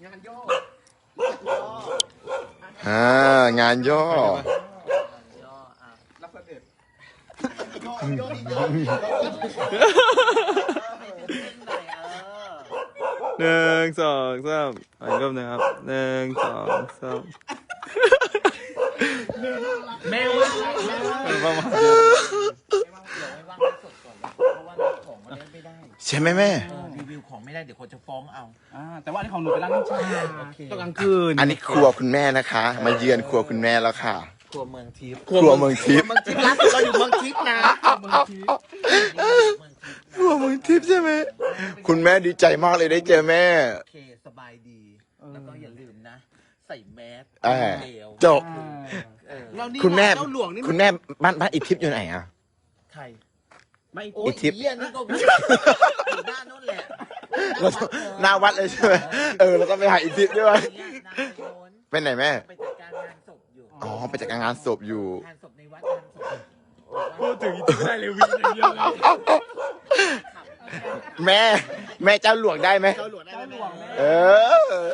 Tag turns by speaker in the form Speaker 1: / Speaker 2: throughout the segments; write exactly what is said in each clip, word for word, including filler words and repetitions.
Speaker 1: งานย่อ
Speaker 2: อ่างานย่อ
Speaker 1: รับเสด็จย่อย่อดีย่อ
Speaker 3: หนึ่งสองสามอีกรอบหนึงครับหนึ่งสองสาม
Speaker 1: แม่ว่าแม่ว่า
Speaker 3: ประมาณ
Speaker 1: เดี๋ยวไม่ว่างให้สดก่อนเพราะว่าของมันเล่นไม่ได้
Speaker 2: ใช่ไหมแม่
Speaker 1: รีวิวของไม่ได้เดี๋ยวคนจะฟ้องเอา
Speaker 4: อ่าแต่ว่าอันนี้ของหนูเป็นร้านน้ำชา
Speaker 1: โอเค
Speaker 4: ตอนกลางคืน
Speaker 2: อันนี้ครัวคุณแม่นะคะ มาเยือนครัวคุณแม่แล้วค่ะ
Speaker 1: ครัวเมืองทิพย์
Speaker 2: ครัวเมืองทิพย์
Speaker 1: เมืองทิพย์ล่าสุดเราอยู่เมืองทิพย์นะเมืองทิพย์
Speaker 2: ครัวเมืองทิพย์ใช่ไหมคุณแม่ดีใจมากเลยได้เจอแม่
Speaker 1: โอเคสบายดี แล้วก็อย่าลืมนะ ใส่แมส
Speaker 2: อ่า
Speaker 1: เดียว
Speaker 2: จบ
Speaker 1: เออ
Speaker 4: แล้วนี่
Speaker 2: คุณแม่
Speaker 4: เจ้าหลวงนี่
Speaker 2: คุณแม่บ้านบ้านอีทิพย์อยู่ไหนอ่ะ
Speaker 1: ใคร
Speaker 4: ไม่
Speaker 1: โอ้
Speaker 2: อี
Speaker 1: ย
Speaker 2: ทิพย์
Speaker 1: เยี่ยนี่ก็อยู่ด้านโน้นแหละ
Speaker 2: เราต้องหน้าวัดเลยใช่ไหมเออเราต้องไปหาอีทิพย์ด้วย
Speaker 1: เนี่ยนายโยน
Speaker 2: เป็นไหนแม่
Speaker 1: ไปจัดการงานศพอยู่
Speaker 2: อ๋อไปจัดการงานศพอยู่
Speaker 1: งานศพในวัดงานศพ
Speaker 3: พูดถึงอีกไม่ได้เลยวิ่งอย่างเดียวเลย
Speaker 2: แม่ แม่เจ้าหลวงได้ไหม
Speaker 1: เจ้าหลวงได้ไหม
Speaker 2: เออ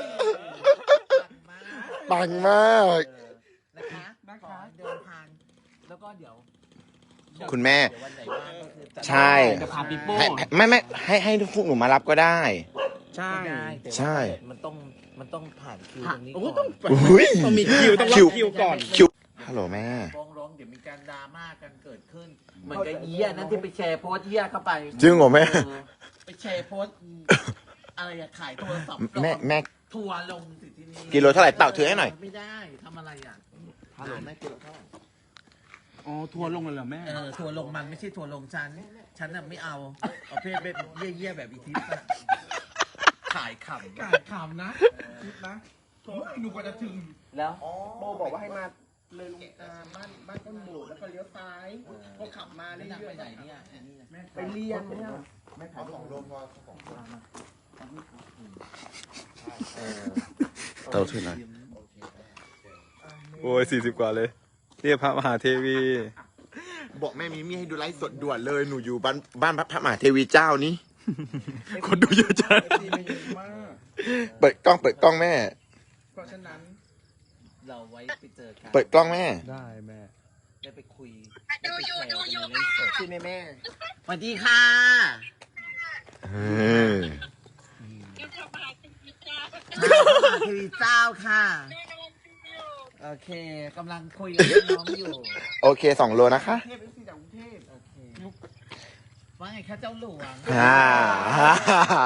Speaker 2: ปังมาก
Speaker 1: นะคะขอเดินทางแล้วก็เดี๋ยว
Speaker 2: คุณแม่
Speaker 1: เดี๋ยววันไหนว่างก็คือจัด
Speaker 2: ใช่
Speaker 4: จะพาปีโป้
Speaker 2: ให้ไม่ไม่ให้ให้พวกหนูมารับก็ได้
Speaker 4: ใช่
Speaker 1: ไม่ได้แต่ว่า
Speaker 2: ใช่
Speaker 1: มันต้องมันต้องผ่านคิวตรงนี้
Speaker 4: โอ้
Speaker 1: ก่
Speaker 4: ต้
Speaker 1: อ
Speaker 4: อง
Speaker 1: น
Speaker 2: อุ้ย
Speaker 4: ต้องมีคิวต้องรอ
Speaker 2: คิว
Speaker 4: คิวก่อน
Speaker 2: คิวฮัลโหลแม่
Speaker 1: ฟ้องร้องเดี๋ยวมีการดราม่ากันเกิดขึ้น เหมือนกับเยี่ยนั่นที่ไปแชร์โพสต์เยี่ยเข้าไป
Speaker 2: จริงเหรอแม่
Speaker 1: เออไปแชร์โพสต์อะไรอะขายโทรศัพท์
Speaker 2: แม่แม่
Speaker 1: ทัวร์ลงสิที่นี่
Speaker 2: กิโลเท่าไหร่เต่าถือให้หน่อย
Speaker 1: ไม่ได้ทำอะไรอ่ะฮัลโหลแม่กิโลเท่าไหร่
Speaker 4: อ๋อทัวร์ลงเลยเหรอแม่
Speaker 1: เออทัวร์ลงมันไม่ใช่ทัวร์ลงฉัน ฉันน่ะไม่เอาประเภทแบบเยี่ยๆแบบอีทิสอะขายขำ
Speaker 4: กาดขำนะคิดนะโถ่หนูกว่าจะถึง
Speaker 1: แล้ว
Speaker 4: โบบอกว่าให้มาเลยลงอ่าบ้านบ้านต้นโบดแล้วก็เลี้ยวซ้ายก็ขับมา
Speaker 1: แล้ว
Speaker 4: เรื่
Speaker 1: นางไป
Speaker 4: อย
Speaker 1: ไหนเนี่ยอันนี้น่ะ
Speaker 4: ๆไปเรียนเนี่ย
Speaker 1: เออ
Speaker 2: เต่าถือหน่อย
Speaker 3: โอ้ยสี่สิบกว่าเลยเรียกพระมหาเทวี
Speaker 2: บอกแม่มีมี่ให้ดูไลฟ์สดด่วนเลย หนูอยู่บ้านบ้านพระมหาเทวีเจ้านี้
Speaker 3: คนดูเยอะจัง
Speaker 4: ดีไม่เยอะมาก
Speaker 2: เปิดกล้องเปิดกล้องแม่
Speaker 4: เพราะฉะนั้น
Speaker 1: เราไว้ไปเจอกัน
Speaker 2: เปิดกล้องแม่
Speaker 3: ได้แม่
Speaker 1: ได้ไปคุยดูอยู่ดูอยู่ค่ะ
Speaker 4: ใช่ไหมแม่
Speaker 1: สวัสดีค่ะ
Speaker 2: เออ
Speaker 1: ทีวีเจ้าค่ะ โอเคกำลังคุยกับน้องอยู่
Speaker 2: โอเคสองโลนะคะ
Speaker 4: เทพเอฟซีจากกรุงเทพ
Speaker 1: โอเคว่าไงคะเจ้าหลวง
Speaker 2: ฮ่าฮ่าฮ่า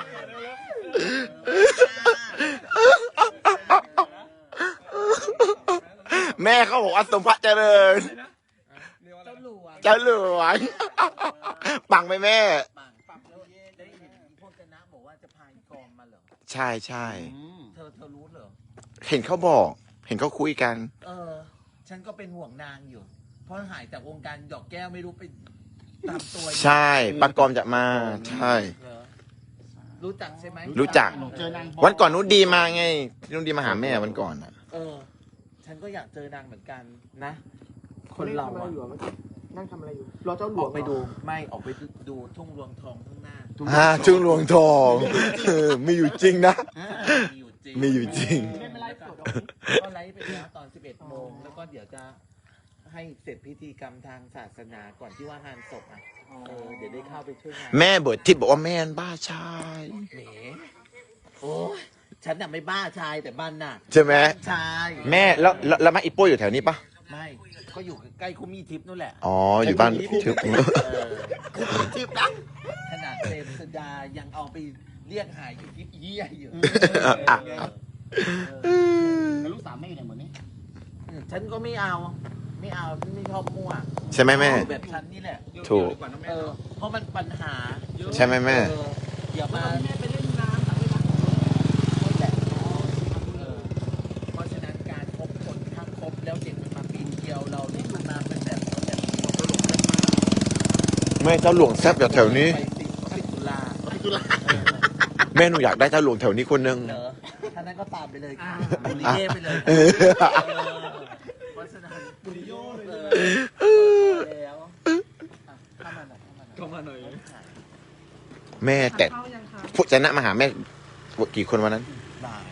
Speaker 2: แม่เขาบอกว่าสมพระเจริญ
Speaker 1: เจ้าหลวง
Speaker 2: เจ้าหลวง ปังไหมแม่
Speaker 1: ปังปังแล้วได้เห็นพวกคณะบอกว่าจะพายกองมาเหรอ
Speaker 2: ใช่ใช่
Speaker 1: เธอเธอรู้เหรอ
Speaker 2: เห็นเขาบอก เห็นเขาคุยกัน
Speaker 1: เออ ฉันก็เป็นห่วงนางอยู่ เพราะหายจากวงการดอกแก้วไม่รู้ไปตามตัวอยู่
Speaker 2: ใช่ปากอมจะมา ใช่
Speaker 1: เหรอรู้จักใช่ไหม
Speaker 2: รู้จัก
Speaker 4: เจอนาง
Speaker 2: วันก่อนนุชดีมาไงนุชดีมาหาแม่วันก่อนอ่ะ
Speaker 1: เออ ฉันก็อยากเจอนางเหมือนกันนะ คนเรา
Speaker 4: ทำอะไร
Speaker 1: อะ
Speaker 4: อยู่อะเมื่อกี้นั่งทำอะไรอยู่รอเจ้าหล
Speaker 1: อ
Speaker 4: ว
Speaker 1: อง กไปดูไม่ออกไปดูทุ่งรวงทองข้างหน้า
Speaker 2: ฮ่าจุงหลวงทองเออมีอยู่จริงนะ
Speaker 1: มีอยู่จริง
Speaker 2: มีอยู่จริง
Speaker 4: ไม่เป็นไรสด
Speaker 1: ก็ไลฟ์ไปแล้วตอนสิบเอ็ดโมงแล้วก็เดี๋ยวจะให้เสร็จพิธีกรรมทางศาสนาก่อนที่ว่างานศพอ่ะเออเดี๋ยวได้เข้าไปช่วยงาน
Speaker 2: แม่เบิดทิพย์บอกว่าแม่นบ้าชาย
Speaker 1: เหนโอ้ยฉันน่ะไม่บ้าชายแต่บ้านน่ะ
Speaker 2: ใช่ไหม
Speaker 1: ชาย
Speaker 2: แม่แล้วแล้วแล้วมาอีโป้อยู่แถวนี้ปะ
Speaker 1: ไม่ก็อยู่ใกล้คุมีทิพย์นู่นแหละ
Speaker 2: อ๋อ อยู่บ้านทิพย์
Speaker 1: เออทิพย์นะขนาดเซมสดายังเอาไปเรียกหายอยู่ทิพย์เยี่ยอยู่
Speaker 2: อ่ะ
Speaker 1: เออ
Speaker 4: แล้วลูกสาวแม่อยู่ไหนหมดนี่
Speaker 1: ฉันก็ไม่เอา ไม่เอาฉันไม่ชอบมั่ว
Speaker 2: ใช่ไหมแม่
Speaker 1: แบบฉันนี่แหละ
Speaker 2: ถูก
Speaker 1: เออ เพราะมันปัญหาเยอะ
Speaker 2: ใช่ไหมแม่
Speaker 1: เอออย่ามา
Speaker 4: แม่ไปเล่นน้ำแต่ไม่รัก
Speaker 1: แหละเออเพราะฉะนั้นการคบคนถ้าคบแล้วเด็กมันมาปีนเกลียวเราเนี่ยขึ้นมาเป็นแบบแบบตลกกันมา
Speaker 2: แม่เจ้าหลวงแซบอยู่แถวนี้
Speaker 1: ไปสิสิตุลาสิตุลา
Speaker 2: แม่หนูอยากได้เจ้าหลวงแถวนี้คนหนึง
Speaker 1: เหรอท่านั้นก็ตามไปเลยค่ะบุรีเย่ไปเลย
Speaker 2: เออ
Speaker 1: เพราะฉะนั้นบุรีโย่เลยแล้วอ่ะเข้ามาหน่อยเข้ามาหน่อย
Speaker 3: เข้ามาหน่อย
Speaker 2: แม่แต่
Speaker 4: เข้ายังคะ
Speaker 2: พวกชนะมาหาแม่กี่คนวันนั้น
Speaker 1: หลาย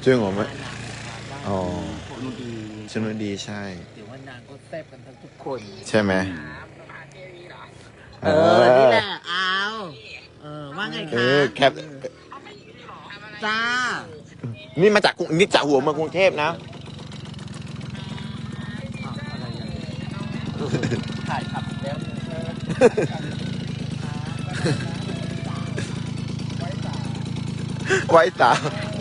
Speaker 2: จริงเหรอแม่
Speaker 1: นางได้
Speaker 2: อ๋อ
Speaker 1: คนดี
Speaker 2: ชนุดีใช่
Speaker 1: เดี๋ยวว่านางก็แซ่บกันทั้งทุกคน
Speaker 2: ใช่ไหม
Speaker 1: เออ นี่แหละ เอาเออ ว่าไง
Speaker 2: เอ
Speaker 1: คะ
Speaker 2: อแคป
Speaker 1: จ้า
Speaker 2: นี่มาจากกรุงนี่จากหัวเมืองกรุงเทพนะ
Speaker 1: อ้าวอะไรอย่างเงี้ยถ่ายขับแล้ว
Speaker 2: ไว้ตา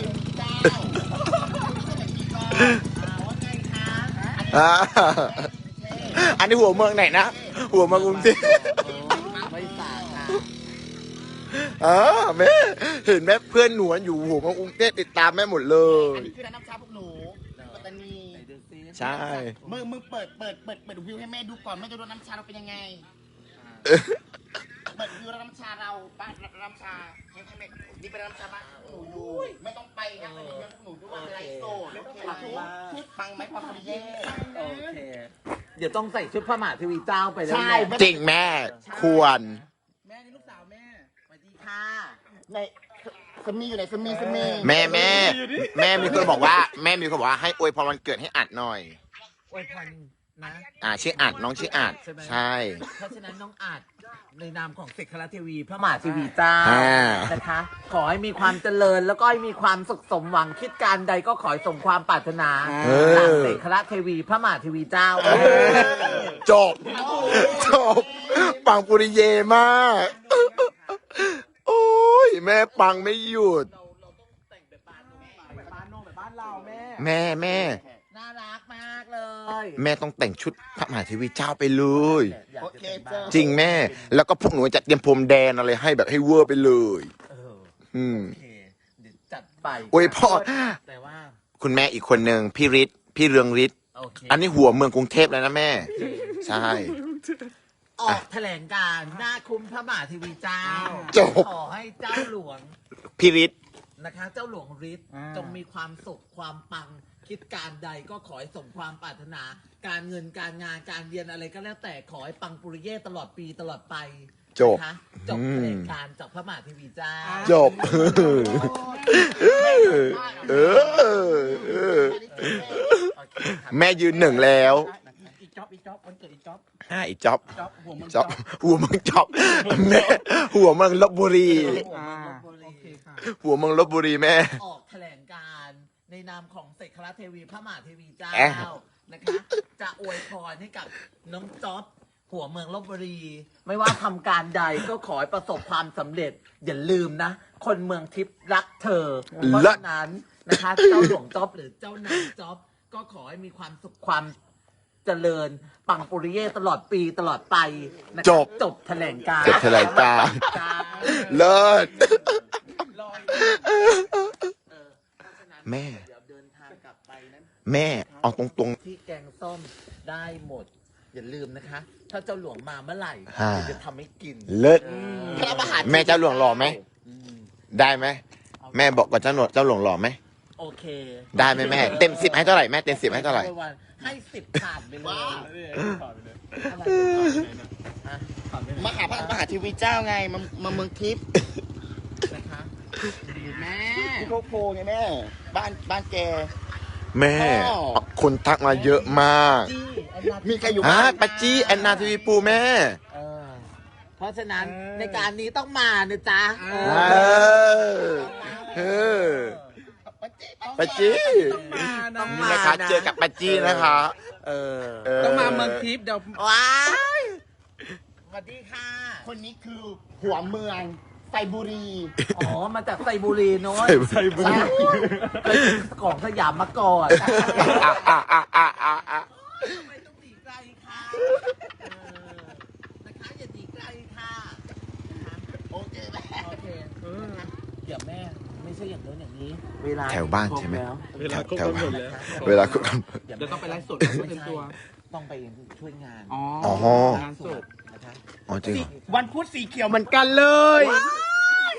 Speaker 2: อ่าอันนี้หัวเมืองไหนนะ หัวเมืองกรุงเทพ
Speaker 1: ไม่สาค่ะ
Speaker 2: อ่าแม่เห็นแม่เพื่อนหนูอยู่หัวเมืองกรุงเทพติดตามแม่หมดเล
Speaker 4: อั
Speaker 2: ย
Speaker 4: นนี้คือร้านน้ำชาพวกหนูปัตตานี
Speaker 1: ไหนดูซิ
Speaker 2: ใช่
Speaker 4: มึงมึงเปิดเปิดเปิดเปิดวิวให้แม่ดูก่อนแม่จะดูน้ำชาเราเป็นยังไง เปิดวิวร้านน้ำชาเราบ้านร้านน้ำชาให้ให้แม่นี่เป็นร้านน้ำชาบ้านหนูอยู่ไม่ต้องไปนะไปเลี้ยงพวกหนูด้วยไลฟ์โซ่ไม่ต้องไปชุดชุดปังไหมพอพอดีเย่
Speaker 1: โอเค เดี๋ยวต้องใส่ชุดพระมหาเทวีเจ้าไปแล้ว
Speaker 4: ใช่
Speaker 1: แหละ
Speaker 2: จริงแม่ ควร
Speaker 1: แม่นี่ลูกสาวแม่สวัสดีค่ะ
Speaker 4: ในสมีอยู่ไหนสมีสมี
Speaker 2: แม่แม่แม่มีคนบอกว่า แม่มีคนบอกว่าให้อวยพรวันเกิดให้อัดหน่อย
Speaker 1: อวยพรนะ
Speaker 2: อ่าชื่ออัดน้องชื่ออัด
Speaker 1: ใช่ไหม
Speaker 2: ใช่
Speaker 1: เพราะฉะนั้นน้องอาจในนามของเสกคราเทวีพระมหาเทวีเจ้า
Speaker 2: อ่า
Speaker 1: นะคะ ขอให้มีความเจริญแล้วก็ให้มีความสุขสมหวังคิดการใดก็ขอให้สมความปรารถนา
Speaker 2: เอ
Speaker 1: จาก
Speaker 2: อ
Speaker 1: เสกคราเทวีพระมหาเทวีเจ้า
Speaker 2: จบ จบ ปังปุริเยมาก โอ้ย แม่ปังไม่หยุด
Speaker 1: เราเราต้องแต่งแบบบ้านโน้นแบบบ้านโน้นแบบบ้านเราแม่
Speaker 2: แม่แม่
Speaker 1: น่ารักมากเลย
Speaker 2: แม่ต้องแต่งชุดพระมหาเทวีเจ้าไปเลย
Speaker 1: อยาก
Speaker 4: โอ
Speaker 1: จะ
Speaker 4: เค
Speaker 1: แต่งบ้า
Speaker 4: เจ้าน
Speaker 2: จริงแม่ แล้วก็พวกหนูจะเตรียมพรมแดนอะไรให้แบบให้เวอร์ไปเลย
Speaker 1: เออ
Speaker 2: อืม
Speaker 1: โอเคเดี๋ยวจัดไป
Speaker 2: อวยพร
Speaker 1: แต่ว่า
Speaker 2: คุณแม่อีกคนหนึ่งพี่ฤทธิ์พี่เรืองฤทธิ์
Speaker 1: โอเค
Speaker 2: อันนี้หัวเมืองกรุงเทพแล้วนะแม่ ใช่
Speaker 1: ออกแถลงการณ์หน้าคุ้มพระมหาเทวีเจ้า
Speaker 2: จบ
Speaker 1: ขอให้เจ้าหลวง
Speaker 2: พี่ฤทธิ์
Speaker 1: นะคะ เจ้าหลวงฤทธิ์จงมีความสุขความปัง คิดการใดก็ขอให้สมความปรารถนา การเงินการงานการเรียนอะไรก็แล้วแต่ขอให้ปังปุริเย่ตลอดปีตลอดไป
Speaker 2: จบ
Speaker 1: นะคะจบแถลงการณ์จากพระมหาเทวีเจ้า
Speaker 2: จบ เออเออ
Speaker 1: โอเคค่ะ
Speaker 2: แม่ยืนหนึ่งแล้ว
Speaker 4: อีกจ็อบอีกจ็อบวันเกิดอีกจ็อบ
Speaker 2: อ่าอีกจ๊อบ
Speaker 4: จ็อบหัวมึง
Speaker 2: จ๊อบหัวเมืองจ๊อบแม่หัวเมืองลบบุรี
Speaker 4: อ่าโอเคค่ะ
Speaker 2: หัวเมืองลบบุรีแม่
Speaker 1: ออกแถลงการณ์ในนามของเสกคราเทวีพระมหาเทวีเจ้า
Speaker 2: แอะ
Speaker 1: นะคะ จะอวยพรให้กับน้องจ๊อบหัวเมืองลบบุรี ไม่ว่าทำการใดก็ขอให้ประสบความสำเร็จ อย่าลืมนะ คนเมืองทิพย์รักเธอ เพราะฉะนั้นนะคะ เจ้าหลวงจ๊อบหรือเจ้านางจ๊อบก็ขอให้มีความสุขความเจริญ ปังปุริเย่ตลอดปีตลอดไปนะคะ
Speaker 2: จบ
Speaker 1: จบแถลงการณ์
Speaker 2: จบแถลงการณ์
Speaker 1: การ
Speaker 2: เลิศ
Speaker 1: ลอยเออเพราะฉะนั้น
Speaker 2: แม่
Speaker 1: เดี๋ยวเดินทางกลับไปนั้น
Speaker 2: แม่เอาตรง
Speaker 1: ที่แกงส้มได้หมด อย่าลืมนะคะ ถ้าเจ้าหลวงมาเมื่อไหร่
Speaker 2: อ่า
Speaker 1: เดี๋ยวจะทำให้กิน
Speaker 2: ๆ เลิศ
Speaker 4: พระมหา
Speaker 2: แม่เจ้าหลวงหล่อไหม
Speaker 1: อืม
Speaker 2: ได้ไหม แม่บอกกับเจ้าหนวดเจ้าหลวงหล่อไหม
Speaker 1: โอเค
Speaker 2: ได้ไหมแม่ เต็มสิบให้เท่าไหร่แม่เต็มสิบให้เท่าไหร่
Speaker 1: วันให้สิบผ่านไปเลยอะไรฮะ
Speaker 4: มหาพระมหาเทีวีเจ้าไงมามาเมืองทิพย์
Speaker 1: นะคะ
Speaker 4: แม่ที่โคโคไงแม่ บ้านบ้านแก
Speaker 2: แม่
Speaker 4: อ๋อ
Speaker 2: คนทักมาเยอะมาก
Speaker 1: จี้แอนนา
Speaker 4: มีใครอยู่
Speaker 2: อ่ะ
Speaker 4: บ้าน
Speaker 2: ปัจจี้แอนนาทีวีปูแม่
Speaker 1: เออเพราะฉะนั้นในการนี้ต้องมานะจ๊ะเอ
Speaker 2: เอ
Speaker 1: อ
Speaker 2: อเออ
Speaker 4: ปัจจิ
Speaker 2: ปัจจี้
Speaker 1: ต้อง
Speaker 2: นี่
Speaker 1: มา
Speaker 2: นะคะ เจอกับปัจจี้นะคะ
Speaker 1: เออ
Speaker 5: ต้องมาเมืองทิพย์เดี๋ยว
Speaker 1: ว้ายสวัสดีค่ะ
Speaker 4: คนนี้คือหัวเมืองไซบุรี
Speaker 1: อ๋อ มาจากไซบุรีโน้น
Speaker 2: ไซบุรี
Speaker 1: เคยของสยามมาก่อน
Speaker 2: อ่ะอ่ะอ่ะอ่ะอ่ะอ่ะ
Speaker 1: ทำไมต้องหนีไกลค่ะเออนะคะอย่าหนีไกลค่ะนะคะ
Speaker 4: โอเคแม่
Speaker 1: โอเคนะคะเดี๋ยวแม่ไม่ใช่อย่างโน้นอย่างนี้ เวลา
Speaker 2: แถวบ้านใช่ไหม
Speaker 1: ครบแล้ว
Speaker 2: แถวแถวบ้าน
Speaker 1: นะคะ
Speaker 2: เวลาคุกกัน
Speaker 1: เดี๋ยว
Speaker 5: เดี๋ยวต้องไปไลฟ์สด
Speaker 1: ไม่
Speaker 5: เต็ม
Speaker 1: ใช่
Speaker 5: ตัว
Speaker 1: ต้องไปช่วยงาน
Speaker 5: อ๋อ
Speaker 2: อ๋อ
Speaker 5: งานศพ
Speaker 1: นะคะ
Speaker 2: อ๋อจริงเหรอ
Speaker 4: วันพุธสีเขียวเหมือนกันเลย
Speaker 1: แ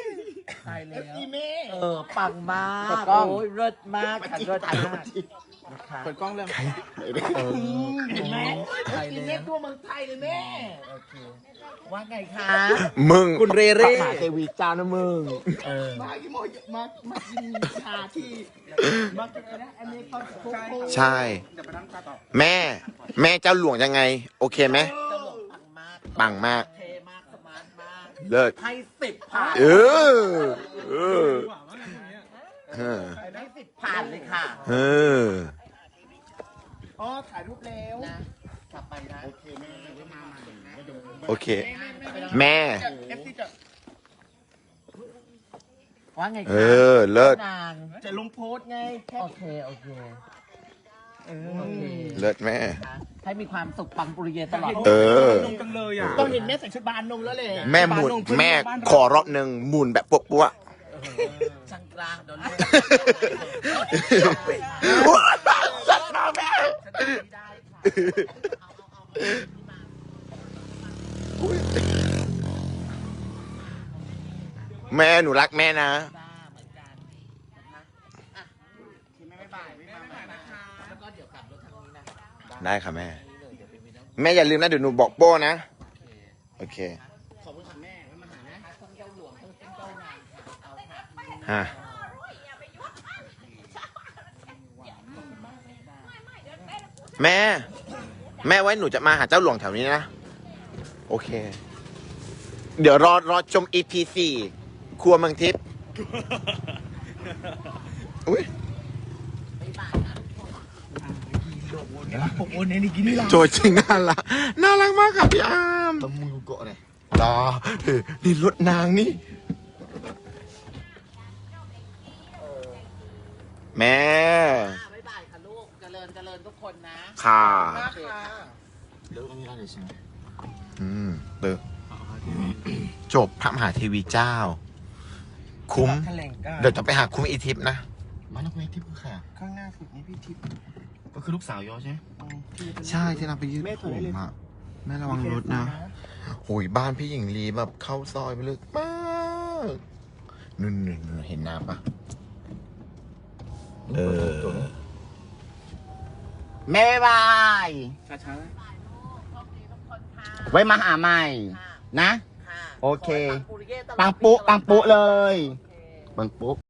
Speaker 1: ตายแล้
Speaker 4: เอฟ
Speaker 1: ว
Speaker 4: ซีแม่
Speaker 1: เออ ปังมาก
Speaker 4: เปิดกล้อง
Speaker 1: โอ้ยเลิศมากค่ะเลิศมากนะคะ
Speaker 4: เปิดกล้องเรื่อง
Speaker 1: เออ
Speaker 4: เห็นไหมเอ
Speaker 1: ตาย
Speaker 4: ฟซี
Speaker 1: แล้
Speaker 4: แม่
Speaker 1: ว
Speaker 4: ตัวเมืองไทยเลยแม่
Speaker 1: โอเคว่าไงคะ
Speaker 2: มึง
Speaker 1: คุณเรเร่
Speaker 2: มหาเทวีเจ้านะมึง
Speaker 1: เออ
Speaker 4: มากี่โมงมามากินชาที่มากินอะไรนะอันนี้เขาโคโค่
Speaker 2: ใช่
Speaker 4: เดี๋ยวไปนั่งชาต่อ
Speaker 2: แม่ แม่เจ้าหลวงยังไง โอเคไหม
Speaker 1: เจ้าหลวงปังมาก
Speaker 2: ปังมาก
Speaker 1: เทมากสมาร์ทมาก
Speaker 2: เลิศ
Speaker 1: ให้สิบผ่าน
Speaker 2: เออ เออ เออ
Speaker 1: ให้สิบผ่านเลยค่ะ
Speaker 2: เออ
Speaker 4: อ๋อถ่ายรูปแล้ว
Speaker 1: นะกลับไปนะ
Speaker 4: โอเคแม่เดี๋ยวมาใหม่เดี๋ยว
Speaker 2: โอเค แม่
Speaker 4: เอฟซีจะ
Speaker 1: ว่าไงคะ
Speaker 2: เออ เลิศ
Speaker 1: นาง
Speaker 4: จะลงโพสต์ไงแค่
Speaker 1: โอเค โอเค
Speaker 4: เอ
Speaker 1: โอเค
Speaker 2: เลิศแม่
Speaker 1: นะให้มีความสุขปังปุริเยตลอด
Speaker 2: เออ
Speaker 4: นมจังเลยอ่ะต้องเห็นแม่ใส่ชุดบานนมแล้วเลย
Speaker 2: แม่หมุน แม่ขอรอบหนึ่งหมุนแบบปั๊วปั๊ว
Speaker 1: ช่างกลางโดนลูก
Speaker 2: สัตว์มาแม่
Speaker 1: ฉันทำไม่ได้ค่ะเอาเอาเอาเอา
Speaker 2: แม่หนูรักแม่นะ
Speaker 1: บ้าเหมือนกันนะคะอ่ะ
Speaker 4: ที่แม่ไม่บ่ายไม่มาใหม่นะคะ
Speaker 1: แล้วก็เดี๋ยวกลับรถทางนี้นะ
Speaker 2: ได้ค่ะแม่
Speaker 1: นี่เลยเดี๋ยวไปมีน้อง
Speaker 2: แม่อย่าลืมนะเดี๋ยวหนูบอกโป้นะ
Speaker 1: โอเค
Speaker 2: โอเค
Speaker 4: ขอบคุณค่ะแม่ไว้มาหานะ
Speaker 1: ทั้งเจ้าหลวงทั้งเจ้านางค่ะเอาค่ะ
Speaker 2: ฮะ แม่ แม่ไว้หนูจะมาหาเจ้าหลวงแถวนี้นะ โอเค เดี๋ยวรอรอชม อี พี สี่ ครัวเมืองทิพย์อุ้ย
Speaker 4: ผมโอนในนี้กินนี่หรอ
Speaker 2: โจจริงน่ารักน่ารักมากค่ะพี่อาม
Speaker 4: ตะมือเกาะเลย
Speaker 2: รอเฮ้ยนี่รถนางนี่ แม่
Speaker 1: อ่าบ๊ายบายค่ะลูก เจริญเจริญทุกคนนะ
Speaker 2: ค่ะ
Speaker 4: มากค่ะ
Speaker 2: อืมเติจบพระมหาเทวีเจ้า คุ้ม
Speaker 4: แถลงการ
Speaker 2: เดี๋ยวจะไปหาคุ้มอีทิพย์นะ
Speaker 5: บ้านนักเวทที่พึ่งค่ะ
Speaker 4: ข้างหน้าสุดนี่พี่ทิพย์
Speaker 5: ก็คือลูกสาวยอใช่ไหม
Speaker 2: ใช่ที่เราไปยืด
Speaker 4: แม่
Speaker 2: ผ
Speaker 4: ถอยได้
Speaker 2: ม
Speaker 4: เลย
Speaker 2: อะแม่ระวังรถนะโอ้ยบ้านพี่หญิงลีแบบเข้าซอยไปลึกมากนู่นนู่นนู่นเห็นน้ำปะเออ
Speaker 4: แม่บาย
Speaker 5: ช้าๆนะ
Speaker 4: ไว้มาหาใหม่ นะ
Speaker 1: ค่ะ
Speaker 4: โอเค
Speaker 1: ขให้ปังปุริเย่ตลอด
Speaker 4: ปังปุ๊ปังปุ๊เลย
Speaker 1: โอเค
Speaker 4: ปังปุ๊